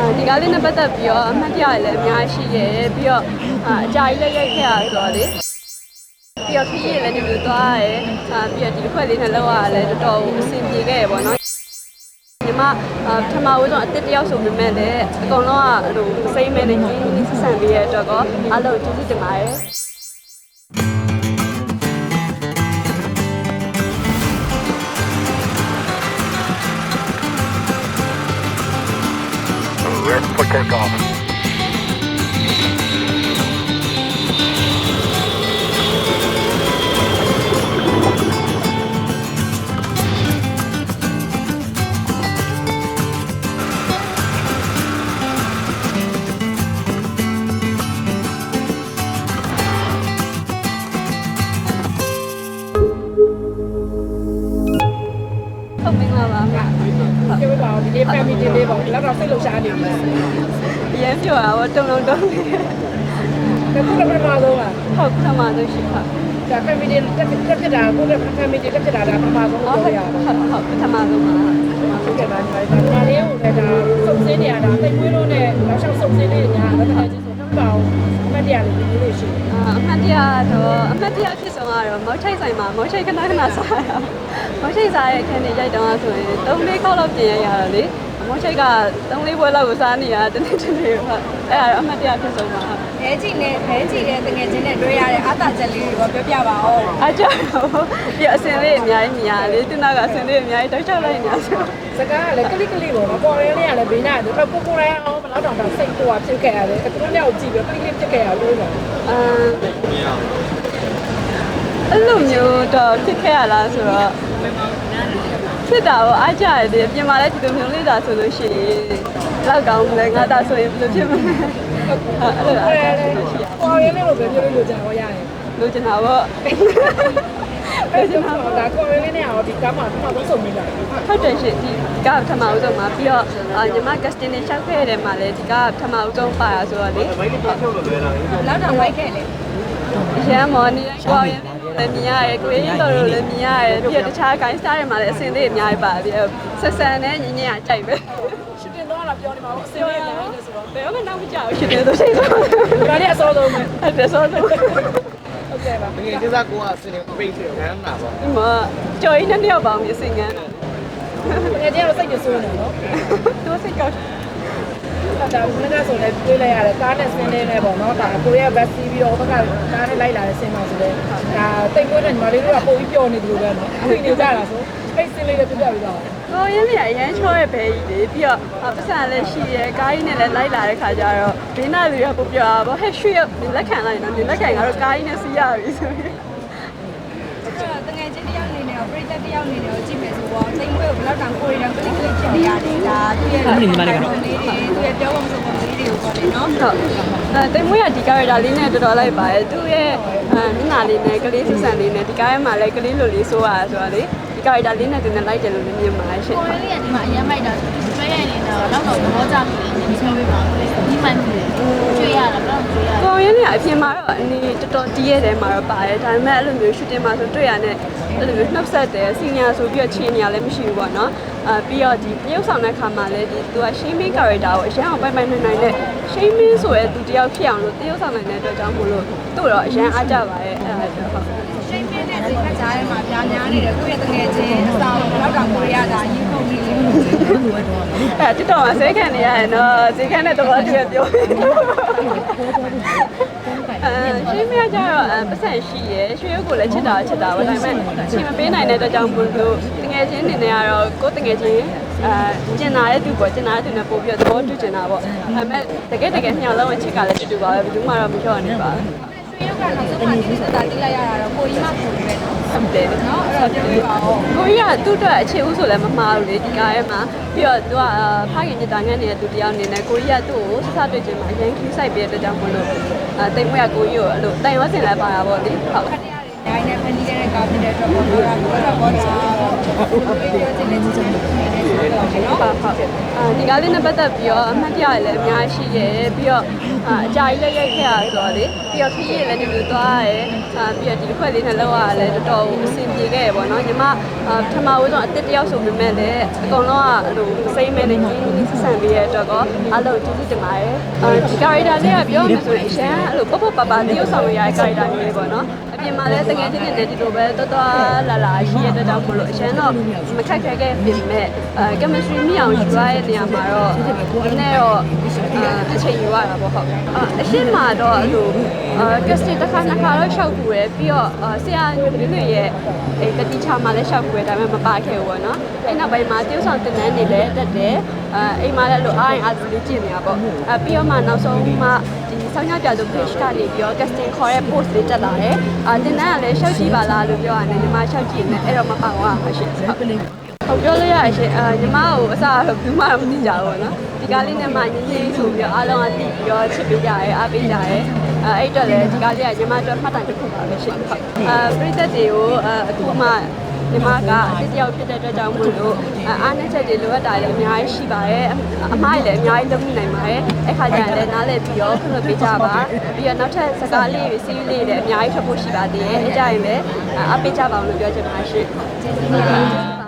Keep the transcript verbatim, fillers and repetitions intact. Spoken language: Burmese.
ဒီကားလေးနဲ့ပတ်သက်ပြီးတော့အမှတ်တရလည်းအများရှိရဲ့ပြီးတော့အကြာကြီးလည်းရိုက်ခဲ့ရဆိုတော့လေပြီးတော့ခရီးလည်းဒီလိုသွားရဲအာပြီးတော့ဒီတစ်ခွက်လေးနဲ့လောက်ရလည်းတော်တော်အဆင်ပြေခဲ့ရပေါ့နော်ဒီမှာပထမဦးဆုံးအစ်စ်တယောက်ဆိုပေမဲ့လည်းအကုန်လုံးကဟိုစိတ်မဲနဲ့ကြီးကြီးဆက်ဆံပေးရတော့ကောအားလုံးကျေးဇူးတင်ပါတယ် For takeoff. Không biết là bà mẹ. Cái bảo đi family đi đi bảo lát nào sẽ lột xa đi. Thì em chưa bảo trong lòng đông. Cái cũng là bên ngoài luôn à? Không, sao mà tôi chỉ học. Cái family rất rất cái đà cũng là family rất cái đà đà bên ngoài cũng Không, rồi à? không, không, sao mà tôi mà. Cái đà này đà nếu này đà sông xế này đà tây nguyên luôn này, nó sang sông xế này nhà nó này chỉ số năm bảo mấy đà này như thế gì? À, mấy đà đó, mấy đà thì sao mà rồi, mỗi chạy sai mà, mỗi chạy cái nào cái nào sai à? Mỗi chạy sai cái này chạy đâu rồi, đâu mấy câu lâu tiền à rồi. Mỗi chạy cả đâu mấy bữa lâu sao nè, đến đến đến rồi. Ê, mấy đà thì sao mà. အဲကြည့်နေအဲကြည့်တဲ့တကယ်ချင်းနဲ့တွေ့ရတဲ့အာသာချက်လေးတွေကိုပြောပြပါဦးအားကြောင့်ပြအစင်လေးအများကြီးမြင်ရလေသူနာကအစင်လေးအများကြီးတောက်ချလိုက်နေဆိုစကားကလည်းကလစ်ကလစ်ပေါ့နော်ပေါ်ရင်းလေးကလည်းဘေးနာတယ်ကိုကိုရိုင်းအောင်ဘယ်တော့တောင်စိတ်ပေါ်ဖြစ်ခဲ့ရတယ်သူတို့လည်းကြည့်ပြီးကလစ်ကလစ်ဖြစ်ခဲ့ရလို့နော်အမ်အဲ့လိုမျိုးတော့ဖြစ်ခဲ့ရလားဆိုတော့ဖြစ်တာတော့အားကြရတယ်ပြင်မာလဲဒီလိုမျိုးလေးတာဆိုလို့ရှိရင်လောက်ကောင်းလဲငါတာဆိုရင်ဘယ်လိုဖြစ်မလဲအဲ့လိုအားကြလို့ရှိရပေါ်ရင်းလေးကိုပဲပြောလို့ကြံဟောရတယ်လိုချင်တာပေါ့အဲ့ဒီမှာဒါကိုရင်းလေးနဲ့အောင်ဒီကမ်းမှာတော့ဆုံးမိတာဟုတ်တယ်ရှင်ဒီကပထမဦးဆုံးမှာပြီးတော့ညီမ casting နဲ့ရှောက်ခဲ့တဲ့မှာလည်းဒီကပထမဦးဆုံးပါရဆိုတော့လေလောက်တော့ဝိုက်ခဲ့လေရမ်းမော်နေရောရင်လည်းမြင်ရတယ်ကိုရင်းတော်တို့လည်းမြင်ရတယ်ပြီးတော့တခြား gain star တွေမှာလည်းအစင်လေးအများကြီးပါပြီးဆက်ဆန်နဲ့ညင်ညင်ကြိုက်ပဲရှစ်တင်တော့လာပြောနေမှာပေါ့အစင်းလေးညာနေဆိုတော့ဘယ်တော့မှနောက်မကြောက်ရှင်တယ်ဆိုချိန်ဆိုဒါလေးအစောဆုံးပဲအဲ့ဒါဆိုတော့ဟုတ်ကဲ့ပါငယ်ကျစားကိုကစနေပိတ်တယ်ခမ်းနာပေါ့ဒီမှာကြော်ရင်းနဲ့တယောက်ပေါင်းမြစင်ငန်းတာငယ်ချင်းတော့စိတ်ညစ်ဆိုးနေနော်သူစိတ်ကောက်ဒါကလည်းဆိုလည်းတွေးလိုက်ရတယ်ကားနဲ့ဆင်းနေနေပေါ့နော်ဒါကိုရီးယားဘတ်စီးပြီးတော့ဘက်ကကားနဲ့လိုက်လာတဲ့ဆင်းမှာဆိုတော့ဒါတိတ်ကွေးတဲ့ညီမလေးတို့ကပို့ပြီးပျော်နေတယ်လို့ပဲနော်အခုနေကြတာဆိုအဲ့ဆင်းလေးလည်းပြပြပြီးတော့ကိုရင်းလေးအရန်ချောရဲ့ဘဲကြီးလေပြီးတော့ပတ်စံလည်းရှိရဲကားကြီးနဲ့လည်းလိုက်လာတဲ့ခါကျတော့ဘေးနာတွေကပို့ပြတာပေါ့ဟဲ့ရွှေလက်ခံလိုက်နော်ဒီလက်ခံကတော့ကားကြီးနဲ့စီးရပြီဆိုရင်တကယ်ချင်းတယောက်နေနေတော့ပြိသက်တယောက်နေနေတော့ကြည့်မယ်ဆိုတော့စိတ်ဝဲကိုဘယ်တော့တောင်ကိုရီတောင်ကလစ်ကလစ်ဖြစ်နေရတယ်ဒါသူ့ရဲ့ဒီမှာလေးကတော့သူ့ရဲ့ပြောပုံစံပုံလေးတွေကိုပေါ့လေနော်ဟုတ်အဲတိမ်မွေးကဒီကားရတာလေးနဲ့တော်တော်လိုက်ပါတယ်သူ့ရဲ့အဲမျက်နှာလေးနဲ့ကလေးစစ်ဆန်လေးနဲ့ဒီကားထဲမှာလည်းကလေးလိုလေးဆိုးရဆိုတော့လေဒီကားရတာလေးနဲ့သူနဲ့လိုက်တယ်လို့လည်းမြင်ပါတယ်ရှင်ကိုရီးယားဒီမှာအရင်မိုက်တာကျွေးရနေတော့လောက်တော့သဘောကျမှုလေးနည်းပြောပေးပါဦးဒီမှန်တယ်ကျွေးရတာတော့ကျွေးရကိုရင်းလေးအပြင်မှာတော့အနေတော်တော်တီးရဲတယ်မှာတော့ပါတယ်ဒါပေမဲ့အဲ့လိုမျိုးရှူတင်မှာဆိုတွေ့ရတဲ့အဲ့လိုမျိုးနှုတ်ဆက်တယ်စီနီယာဆိုပြီးတော့ချင်းနေရလည်းမရှိဘူးပေါ့နော်အဲပြီးတော့ဒီပြုတ်ဆောင်တဲ့ခါမှာလည်းဒီသူက shaming character ကိုအရင်အောင်ပိုင်ပိုင်နိုင်နိုင်နဲ့ shaming ဆိုရဲသူတယောက်ဖြစ်အောင်လို့တရုပ်ဆောင်နိုင်တဲ့အတွက်ကြောင့်မို့လို့သူ့တော့အရင်အားကြပါရဲ့အဲ့ဒါဟုတ်ရှိမင်းနဲ့ဒီခါကြားထဲမှာပြားများနေတယ်ကိုယ့်ရဲ့တကယ်ချင်းအဆောင်လောက်တောင်ကိုရီးယားဒါရင်ခုန်ကြီးလေးလို့အဲ့တိတော်မှာဆေးခံနေရတယ်နော်ဆေးခံတဲ့တော့တည်းပြောအဲရှင်းပြကြတော့ပတ်စံရှိရယ်ရွှေရုပ်ကိုလည်းချစ်တာချစ်တာပဲဒါပေမဲ့ချိန်မပေးနိုင်တဲ့အတွက်ကြောင့်ဘုလို့တငယ်ချင်းနေနေကတော့ကိုယ်တငယ်ချင်းအဲကျင်နာတဲ့သူပေါ့ကျင်နာတဲ့သူနဲ့ပို့ပြီးတော့သဘောတူကျင်တာပေါ့ဒါပေမဲ့တကယ်တကယ်ညှောင်းလုံးအချစ်ကလည်းတူတူပါပဲဘယ်သူမှတော့မလျှော့နေပါဘူးရွှေရုပ်ကတော့ဆုံးမတိစတာတိလိုက်ရတာတော့ကိုကြီးမှပုံပဲနော်ဟုတ်တယ်နော်အဲ့တော့ပြောပြပါဦးကိုကြီးကသူ့အတွက်အခြေဦးဆိုလည်းမမှားဘူးလေဒီကားထဲမှာပြီးတော့သူကဖခင်ညတာငန်းနေတဲ့သူတယောက်အနေနဲ့ကိုကြီးကသူ့ကိုစစတွေ့ချင်းမှာအရင်ခီးဆိုင်ပေးတဲ့အတွက်ကြောင့်မလို့အဲတိမ်မွေးကကိုကြီးကိုအဲ့လိုတိုင်ရောစင်လည်းပါတာပေါ့လေဟုတ်ခက်ရရတယ်နိုင်နဲ့ဖန်တီးတဲ့ကားဖြစ်တဲ့အတွက်ပေါ်တော့တာကတော့ပေါ်တာပြောချင်တဲ့ချစ်ချင်တဲ့တယ်နော်ဟုတ်ဟုတ်အာဒီကားလေးနဲ့ပတ်သက်ပြီးတော့အမှတ်တရလည်းအများကြီးရှိတယ်ပြီးတော့အာအကြာကြီးလည်းရိုက်ခဲ့ရဆိုတော့လေပြီးတော့ခရီးလည်းဒီလိုသွားရတယ်အာပြီးတော့ဒီတစ်ခွက်လေးနဲ့လောက်ရလည်းတော်တော်အဆင်ပြေခဲ့ရပေါ့နော်ညီမအာပထမဦးဆုံးအစ်တစ်တယောက်ဆိုပေမဲ့လည်းအကုန်လုံးကအဲ့လိုစိတ်မဲနဲ့ကြီးကြီးဆက်ဆံပေးရတဲ့အတွက်ကောအားလုံးကျေးဇူးတင်ပါတယ်အာဒီ character လေးကပြောမှဆိုရင်အရှမ်းအဲ့လိုပပပပတရုပ်ဆောင်ရတဲ့ character မျိုးလေးပေါ့နော်အပြင်မှာလည်းတကယ်ချင်းနဲ့ဒီလိုပဲတော်တော်လာလာရှိရတဲ့တောင်မလို့အရှမ်းတော့မခက်ခဲခဲ့ပြင်မဲ့အဲ chemistry မြအောင်ယူရတဲ့နေရာမှာတော့နည်းနည်းတော့အချိန်ယူရတာပေါ့ဟုတ်အရှင်းမှာတော့အဲ့လိုအဲ casting တစ်ခါနှစ်ခါတော့ရှောက်ကူရယ်ပြီးတော့ဆရာမျိုးတွေရဲ့အဲတတိချာမှာလည်းရှောက်ကူရယ်ဒါပေမဲ့မပါခဲ့ဘူးပေါ့နော်အဲ့နောက်ပိုင်းမှာတရုပ်ဆောင်တင်တန်းနေလည်းတက်တယ်အဲအိမ်မှာလည်းလိုအားရင်အားလေးကြည့်နေတာပေါ့အဲပြီးတော့မှနောက်ဆုံးမှဒီဆောင်းရပြသူ page ကနေပြီးတော့ casting ခေါ်တဲ့ post လေးတက်လာတယ်အာတင်တန်းကလည်းရှောက်ကြည့်ပါလားလို့ပြောရတယ်ညီမရှောက်ကြည့်နေအဲ့တော့မပါဘူးအရှင်းဟုတ်ဟုတ်ပြောလို့ရအရှင်အာညီမကိုအစားတော့ဘူးမှတော့မသိကြဘူးပေါ့နော်ဒီကားလေးနဲ့မှညင်းညင်းဆိုပြီးတော့အားလုံးကတည်ပြီးတော့ချစ်ပေးကြရဲအားပေးကြရဲအဲအဲ့တော့လည်းဒီကားလေးကညီမတို့မှတ်တိုင်တစ်ခုပါပဲရှင်ဟုတ်အာပရိသတ်တွေကိုအခုမှညီမကအစ်တယောက်ဖြစ်တဲ့အတွက်ကြောင့်မို့လို့အားနည်းချက်တွေလိုအပ်တာလည်းအများကြီးရှိပါတယ်အမားလည်းအများကြီးလုပ်နိုင်ပါတယ်အဲ့ခါကျရင်လည်းနားလည်ပြီးတော့ခွင့်လွှတ်ပေးကြပါပြီးတော့နောက်ထပ်စကားလေးတွေစီးလေးတွေလည်းအများကြီးထွက်ဖို့ရှိပါသေးတယ်အဲ့ကြရင်လည်းအားပေးကြပါအောင်လို့ပြောချင်ပါတယ်ရှင်ကျေးဇူးတင်ပါတယ်